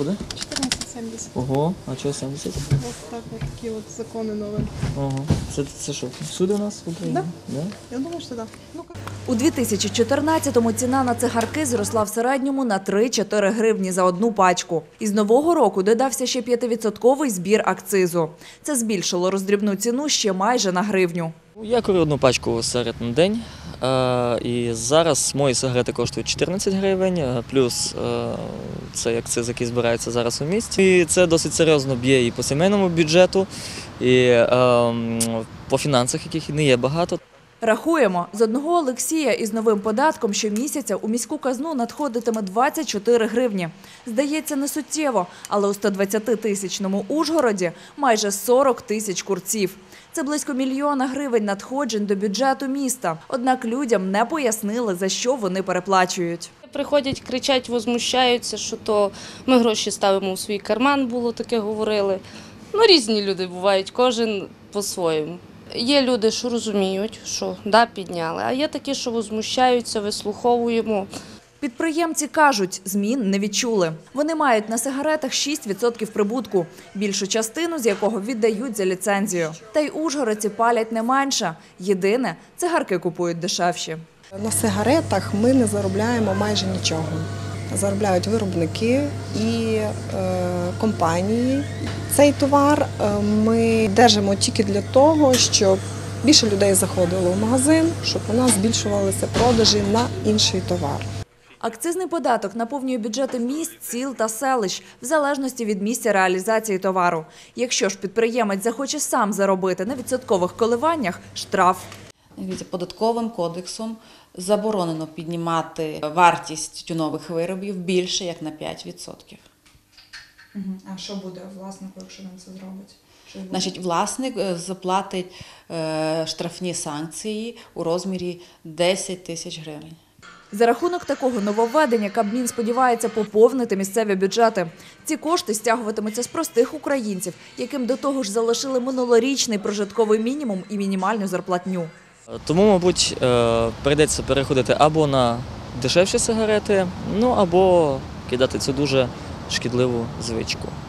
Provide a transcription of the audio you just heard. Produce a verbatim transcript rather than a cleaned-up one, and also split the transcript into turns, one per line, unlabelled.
буде?
чотирнадцять сімдесят.
Ого, а чого сімдесят?
Ось так от такі от закони нові.
Ого. Це, це що, всюди у нас в Україні?
Да.
Да?
Я думаю, що так. Ну,
У дві тисячі чотирнадцятому ціна на цигарки зросла в середньому на три-чотири гривні за одну пачку. Із нового року додався ще п'ятивідсотковий збір акцизу. Це збільшило роздрібну ціну ще майже на гривню.
Я курю одну пачку сигарет на день, е, і зараз мої сигарети коштують чотирнадцять гривень, е, плюс е, цей акциз, який збирається зараз у місті. І це досить серйозно б'є і по сімейному бюджету, і е, по фінансах, яких не є багато.
Рахуємо, з одного Олексія із новим податком щомісяця у міську казну надходитиме двадцять чотири гривні. Здається, не суттєво, але у стодвадцятитисячному Ужгороді майже сорок тисяч курців. Це близько мільйона гривень надходжень до бюджету міста. Однак людям не пояснили, за що вони переплачують.
Приходять, кричать, возмущаються, що то ми гроші ставимо у свій карман, було таке говорили. Ну, різні люди бувають, кожен по-своєму. Є люди, що розуміють, що да, підняли, а є такі, що возмущаються, вислуховуємо.
Підприємці кажуть, змін не відчули. Вони мають на сигаретах шість відсотків прибутку, більшу частину з якого віддають за ліцензію. Та й ужгородці палять не менше. Єдине – цигарки купують дешевші.
На сигаретах ми не заробляємо майже нічого. Заробляють виробники і е, компанії. Цей товар е, ми держимо тільки для того, щоб більше людей заходило в магазин, щоб у нас збільшувалися продажі на інший товар.
Акцизний податок наповнює бюджети міст, сіл та селищ в залежності від місця реалізації товару. Якщо ж підприємець захоче сам заробити на відсоткових коливаннях – штраф.
Податковим кодексом заборонено піднімати вартість тютюнових виробів більше, як на п'ять відсотків.
А що буде власнику, якщо він це зробить?
Значить, власник заплатить штрафні санкції у розмірі десять тисяч гривень.
За рахунок такого нововведення Кабмін сподівається поповнити місцеві бюджети. Ці кошти стягуватимуться з простих українців, яким до того ж залишили минулорічний прожитковий мінімум і мінімальну зарплатню.
Тому, мабуть, прийдеться переходити або на дешевші сигарети, ну або кидати цю дуже шкідливу звичку.